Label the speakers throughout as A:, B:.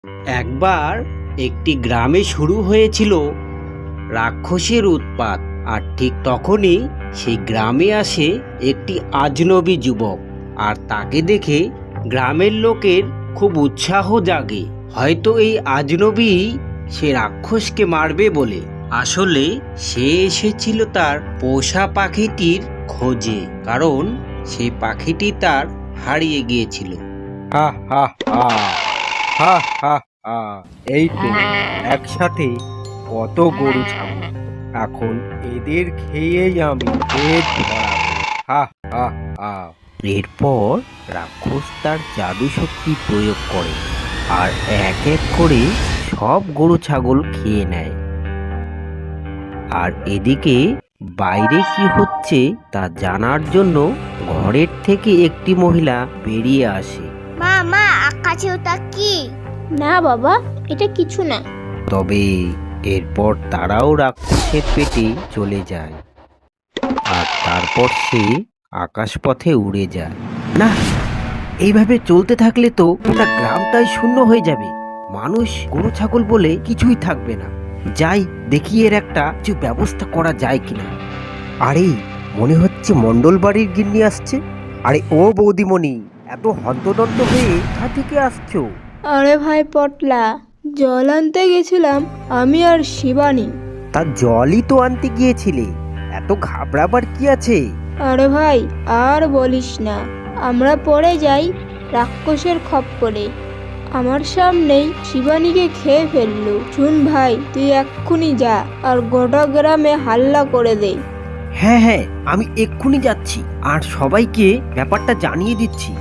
A: একবার একটি গ্রামে শুরু হয়েছিল রাক্ষসের উৎপাত। আর ঠিক তখনই সেই গ্রামে আসে একটি আজনবী যুবক। আর তাকে দেখে গ্রামের লোকের খুব উৎসাহ জাগে, হয়তো এই আজনবী সে রাক্ষসকে মারবে বলে। আসলে সে এসেছিল তার পোষা পাখিটির খোঁজে, কারণ সেই পাখিটি তার হারিয়ে গিয়েছিল।
B: হা হা হা হা হা হা। এই তো একসাথে কত গরু ছাগল, এখন এদের খেয়েই আমি পেট ভরাবো। হা হা হা।
A: এরপর রাক্ষস তার জাদু শক্তি প্রয়োগ করে আর এক এক করে সব গরু ছাগল খেয়ে নেয়। আর এদিকে বাইরে কি হচ্ছে তা জানার জন্য ঘরের থেকে একটি মহিলা বেরিয়ে আসে।
C: মা মা আকাশে ওটা কি?
D: না বাবা, এটা কিছু না।
A: তবে এরপর তারাও রাক্ষসের পেটে চলে যায় আর তারপর সে আকাশপথে উড়ে যায়। না, এইভাবে চলতে থাকলে তো গোটা গ্রামটাই শূন্য হয়ে যাবে। মানুষ গরু ছাগল বলে কিছুই থাকবে না। যাই দেখি এর একটা কিছু ব্যবস্থা করা যায় কিনা। আরে, মনে হচ্ছে মন্ডল বাড়ির গিন্নি আসছে। আরে ও বৌদিমণি, এত হন্তদন্ত হয়ে কোথা থেকে আসছো?
D: আরে ভাই পটলা, জল আনতে গেছিলাম আমি আর শিবানী।
A: তার জলই তো আনতে গিয়েছিলে, এত ঘাবড়াবার কি আছে?
D: আরে ভাই আর বলিস না, আমরা পড়ে যাই রাক্ষসের খপ্পরে। আমার সামনেই শিবানীকে খেয়ে ফেললো। শুন ভাই, তুই এক্ষুনি যা আর গোটা গ্রামে হাল্লা করে দে।
A: হ্যাঁ হ্যাঁ, আমি এক্ষুনি যাচ্ছি আর সবাইকে ব্যাপারটা জানিয়ে দিচ্ছি।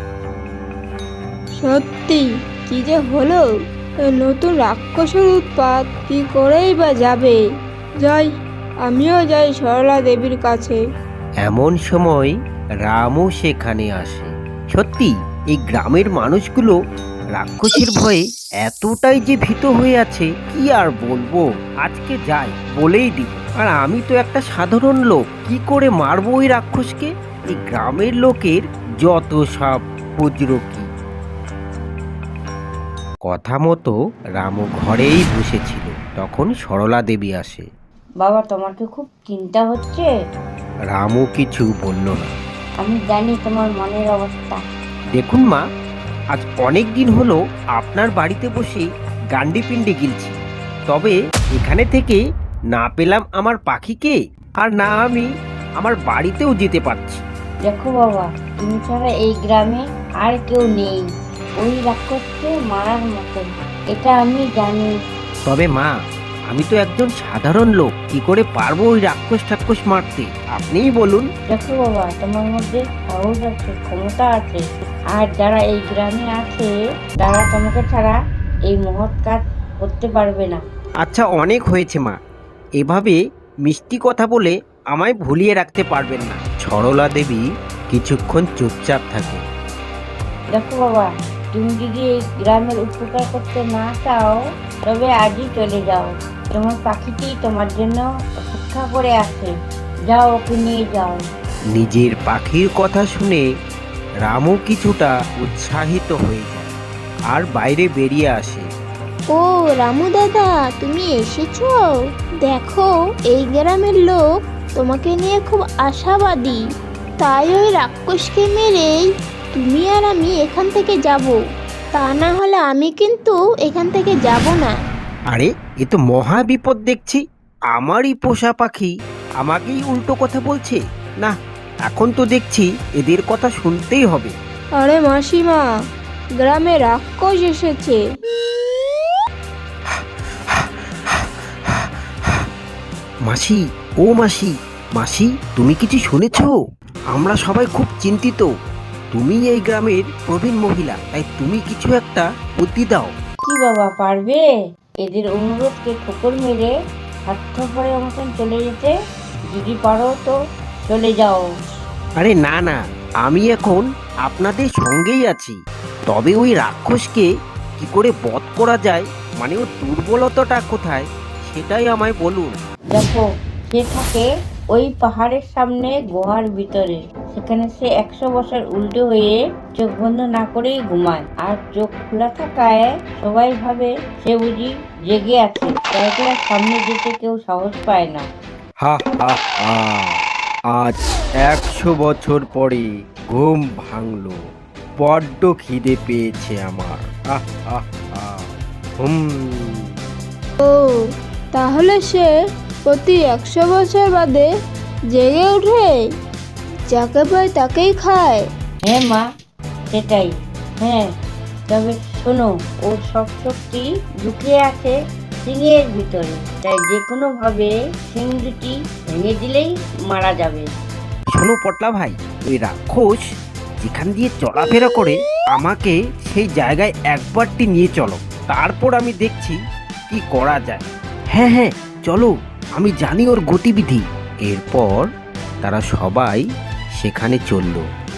D: সত্যি কি যে হলো, এই নতুন রাক্ষসের উৎপাত কি করেই বা যাবে। যাই, আমিও যাই সরলা দেবীর কাছে।
A: এমন সময় রামও সেখানে আসে। সত্যি এই গ্রামের মানুষগুলো রাক্ষসের ভয়ে এতটাই যে ভীত হয়ে আছে, কি আর বলবো। আজকে যাই বলেই দিব। আর আমি তো একটা সাধারণ লোক, কি করে মারবো ওই রাক্ষসকে? এই গ্রামের লোকের যত সব বুজরুকি। কথা মতো রামু ঘরেই বসেছিল, তখন সরলা দেবী আসে।
E: বাবা, তোমার কি খুব চিন্তা হচ্ছে?
A: রামু কিছু বলল না।
E: আমি জানি তোমার মনের অবস্থা।
A: দেখুন মা, আজ অনেক দিন হলো আপনার বাড়িতে বসে গান্ডি পিণ্ডি গিলছি, তবে এখানে থেকে না পেলাম আমার পাখিকে, আর না আমি আমার বাড়িতেও যেতে পারছি।
E: দেখো বাবা, তুমি ছাড়া এই গ্রামে আর কেউ নেই ওই রাক্ষসকে মারার মতন, এটা আমি জানি।
A: তবে মা, আমি তো একজন সাধারণ লোক, কি করে পারবো ওই রাক্ষস ঠাক্ষস মারতে? আপনিই বলুন।
E: দেখো বাবা, তোমার মধ্যে সাহস আছে, ক্ষমতা আছে, আর যারা এই গ্রামে আছে তারা তোমাকে ছাড়া এই মহৎ কাজ করতে পারবে না।
A: আচ্ছা, অনেক হয়েছে মা, এভাবে মিষ্টি কথা বলে আমায় ভুলিয়ে রাখতে পারবেন না। সরলা দেবী কিছুক্ষণ চুপচাপ থাকে।
E: দেখো বাবা, তুমি যদি এই গ্রামের উপকার করতে না চাও তবে আজই চলে যাও। তোমার পাখিটি তোমার জন্য অপেক্ষা করে আছে, যাও ওকে নিয়ে যাও।
A: নিজের পাখির কথা শুনে রামও কিছুটা উৎসাহিত হয়ে যায় আর বাইরে বেরিয়ে আসে।
D: ও রামু দাদা, তুমি এসেছো? দেখো, এই গ্রামের লোক তোমাকে নিয়ে খুব আশাবাদী। তাই ওই রাক্ষসকে মেরেই তুমি আর আমি এখান থেকে যাব। তা না হলে আমি কিন্তু এখান থেকে যাব না।
A: আরে, এ তো মহা বিপদ দেখছি। আমারই পোষা পাখি আমাকেই উল্টো কথা বলছে। না, এখন তো দেখছি এদের কথা শুনতেই হবে।
D: আরে মাসিমা, গ্রামে রাক্ষস এসেছে।
A: মাসি, ও মাসি, মাসি, তুমি কিছু শুনেছো? আমরা সবাই খুব চিন্তিত। তুমি এই গ্রামের প্রবীণ মহিলা, তাই তুমি কিছু একটা বুদ্ধি দাও।
E: কি বাবা, পারবে এদের অনুরোধকে ঠোকর মেরে স্বার্থপরের মতন চলে যেতে? যদি পারো তো চলে যাও।
A: আরে না না, আমি এখন আপনাদের সঙ্গেই আছি। তবে ওই রাক্ষসকে কি করে বধ করা যায়, মানে ওর দুর্বলতাটা কোথায়, সেটাই আমায় বলুন।
E: দেখো, সে থাকে ওই পাহাড়ের সামনে গুহার ভিতরে। সেখানে সে 100 বছর উল্টো হয়ে চোখ বন্ধ না করেই ঘুমায়, আর চোখ খোলা থাকায় সবাই ভাবে সে বুঝি জেগে আছে, তাই তার সামনে যেতে কেউ সাহস পায় না।
B: হা হা হা, আজ 100 বছর পরে ঘুম ভাঙলো। বড্ড খিদে পেয়েছে আমার। আহ আহ আহ হুম।
D: ও তাহলে সে প্রতি 100 বছর বাদে জেগে ওঠে, যাকে পায় তাকেই খায়।
E: হ্যাঁ মা, সেটাই। হ্যাঁ, তবে শোনো, ওর সব শক্তি লুকিয়ে আছে সিংহের ভিতরে, তাই যে কোনো ভাবে সিং দুটি ভেঙে দিলেই মারা যাবে।
A: শোনো পটলা ভাই, ওই রাক্ষস যেখান দিয়ে চলাফেরা করে আমাকে সেই জায়গায় একবারটি নিয়ে চলো, তারপর আমি দেখছি কি করা যায়। হ্যাঁ হ্যাঁ চলো, আমি জানি ওর গতিবিধি। এরপর তারা সবাই সেখানে চলল।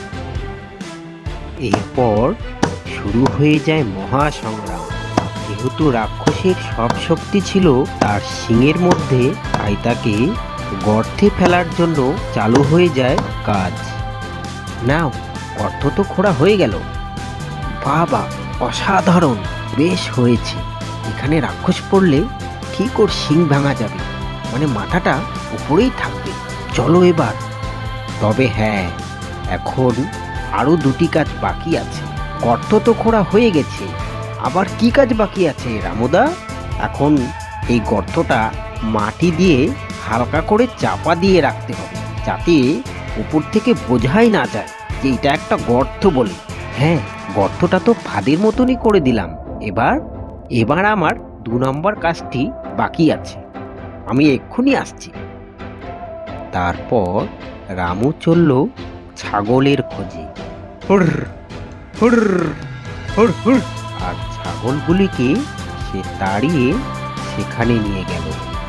A: এরপর শুরু হয়ে যায় মহাসংগ্রাম। যেহেতু রাক্ষসের সব শক্তি ছিল তার শিংয়ের মধ্যে, তাই তাকে গর্তে ফেলার জন্য চালু হয়ে যায় কাজ। নাও, গর্ত তো খোঁড়া হয়ে গেল। বাবা, অসাধারণ, বেশ হয়েছে। এখানে রাক্ষস পড়লে ঠিক ওর শিং ভাঙা যাবে, মানে মাথাটা উপরেই থাকবে। চলো এবার। তবে হ্যাঁ, এখন আরো দুটি কাজ বাকি আছে। গর্ত তো খোঁড়া হয়ে গেছে, আবার কি কাজ বাকি আছে রামুদা? এখন এই গর্তটা মাটি দিয়ে হালকা করে চাপা দিয়ে রাখতে হবে, যাতে উপর থেকে বোঝাই না যায় যে এটা একটা গর্ত বলে। হ্যাঁ, গর্তটা তো ফাঁদের মতনই করে দিলাম। এবার এবার আমার 2 নম্বর কাজটি বাকি আছে, আমি এক্ষুনি আসছি। তারপর রামু চলল ছাগলের খোঁজে। হুর হুর হুর হুর, আর ছাগলগুলিকে সে তাড়িয়ে সেখানে নিয়ে গেল।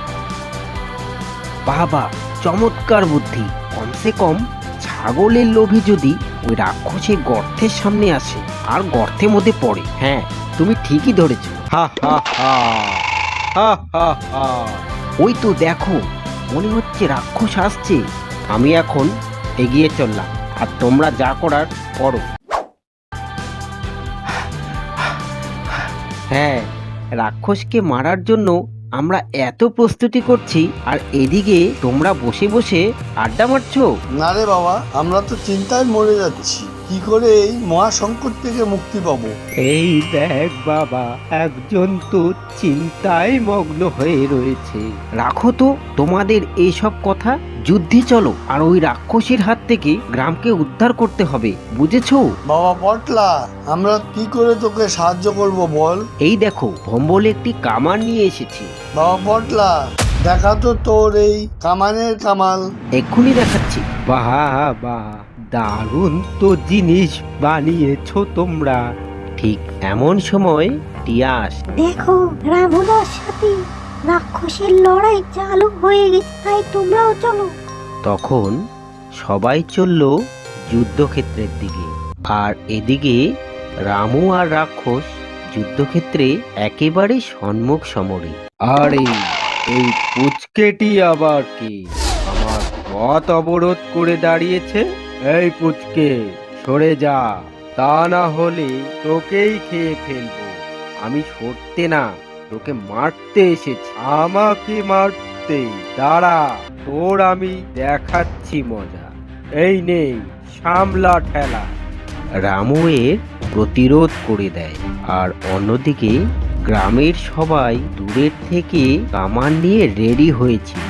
A: বাবা, চমৎকার বুদ্ধি! কমসে কম ছাগলের লোভে যদি ওই রাক্ষসের গর্তের সামনে আসে আর গর্তের মধ্যে পড়ে। হ্যাঁ, তুমি ঠিকই ধরেছ।
B: হা হা হা হা হা হা।
A: ওই তো দেখো, মনে হচ্ছে রাক্ষস আসছে। আমি এখন এগিয়ে চললাম, আর তোমরা যা করার করো। হ্যাঁ, রাক্ষসকে মারার জন্য আমরা এত প্রস্তুতি করছি, আর এদিকে তোমরা বসে বসে আড্ডা মারছো।
F: না রে বাবা, আমরা তো চিন্তায় মরে যাচ্ছি, কি করে এই মহাসংকট থেকে মুক্তি পাবো।
A: এই দেখ বাবা, একজন তো চিন্তায় মগ্ন হয়ে রয়েছে। রাখো তো তোমাদের এইসব কথা, যুদ্ধে চলো, আর ওই রাক্ষসের হাত থেকে গ্রামকে উদ্ধার করতে হবে, বুঝেছো?
F: বাবা পটলা, আমরা কি করে তোকে সাহায্য করব বল।
A: এই দেখো, ভম্বল একটি কামান নিয়ে এসেছি।
F: বাবা পটলা, দেখা তো তোর এই কামানের কামাল।
A: এক্ষুনি দেখাচ্ছি। বাহ বাহ, দারুণ তো জিনিস বানিয়েছো তোমরা। ঠিক এমন সময় টিয়াস।
G: দেখো, রামুদার সাথে রাক্ষসের লড়াই চালু হয়ে গেছে, তাই তোমরাও চলো।
A: তখন সবাই চলল যুদ্ধক্ষেত্রের দিকে, আর এদিকে রামু আর রাক্ষস যুদ্ধক্ষেত্রে একেবারে সম্মুখ সমরে।
B: আরে, এই পুচকেটি আবার কি আমার পথ অবরোধ করে দাঁড়িয়েছে? এই পুচকে, সরে যা, তা না হলে তোকেই খেয়ে ফেলবো। আমি সরতে না, তোকে মারতে এসেছি। আমাকে মারতে? দাঁড়া, তোর আমি দেখাচ্ছি মজা। এই নে, সামলা ঠেলা।
A: রামু এর প্রতিরোধ করে দেয়, আর অন্যদিকে গ্রামের সবাই দূরের থেকে কামান নিয়ে রেডি হয়েছিল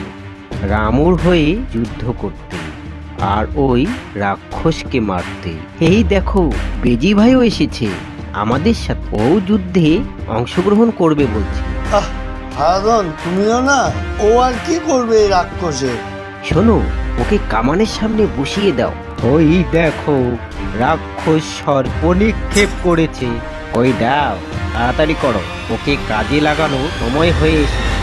A: রামুর হয়ে যুদ্ধ করতে, আর ওই রাক্ষসকে মারতে। এই দেখো, বেজি ভাইও এসেছে আমাদের সাথে, ও যুদ্ধে অংশগ্রহণ করবে বলছে।
F: হারাধন, তুমিও না? ও আর কি করবে এই রাক্ষসে?
A: শোনো, ওকে কামানের সামনে বসিয়ে দাও। ওই দেখো, রাক্ষস সর্প নিক্ষেপ করেছে। ওই দাও, তাড়াতাড়ি করো, ওকে কাজে লাগানো সময় হয়ে এসেছে।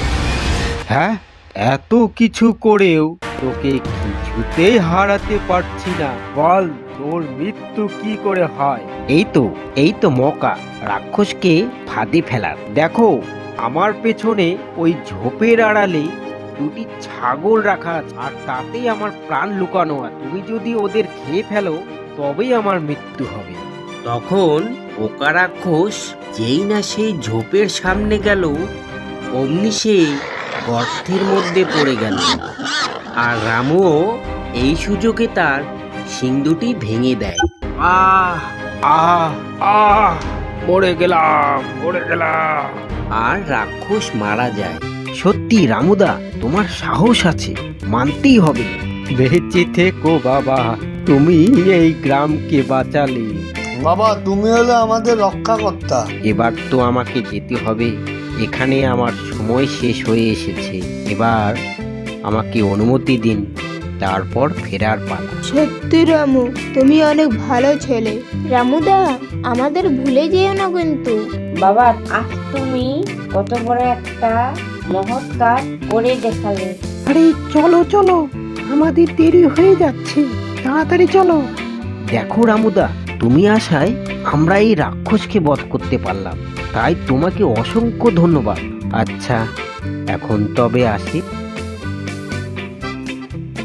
B: হ্যাঁ, এত কিছু করেও তোকে কিছুতেই হারাতে পারছি না। বল, তোর মৃত্যু কি করে হয়?
A: এই তো মৌকা রাক্ষসকে ফাঁদে ফেলার। দেখো, আমার পেছনে ওই ঝোপের আড়ালে দুটি ছাগল রাখা আছে, আর তাতেই আমার প্রাণ লুকানো আছে। তুমি যদি ওদের খেয়ে ফেলো তবেই আমার মৃত্যু হবে। তখন পোকা রাক্ষস যেই না সেই ঝোপের সামনে গেল, অমনি সে গর্তের মধ্যে পড়ে গেল। আর রামুও এই সুযোগে তার শিং দুটি ভেঙে দেয়। আহ আহ আহ মরে গেলাম, মরে গেলাম। আর রাক্ষস মারা যায়। সত্যি রামুদা, তোমার সাহস আছে, মানতেই হবে।
B: বেঁচে থেকো বাবা, তুমি এই গ্রামকে বাঁচালে।
F: বাবা তুমি হলে আমাদের রক্ষাকর্তা।
A: এবার তো আমাকে যেতে হবে, এখানে আমার সময় শেষ হয়ে এসেছে। এবার আমাকে অনুমতি দিন, তারপর ফেরার পালা।
D: সত্যি রামু, তুমি অনেক ভালো ছেলে। রামুদা, আমাদের ভুলে যেও না কিন্তু।
E: বাবা, আজ তুমি কত বড় একটা মহৎ কাজ করে দেখালে।
G: আরে চলো চলো, আমাদের দেরি হয়ে যাচ্ছে, তাড়াতাড়ি চলো।
A: দেখো রামুদা, তুমি আসায় আমরা এই রাক্ষসকে বধ করতে পারলাম, তাই তোমাকে অসংখ্য ধন্যবাদ। আচ্ছা, এখন তবে আসি।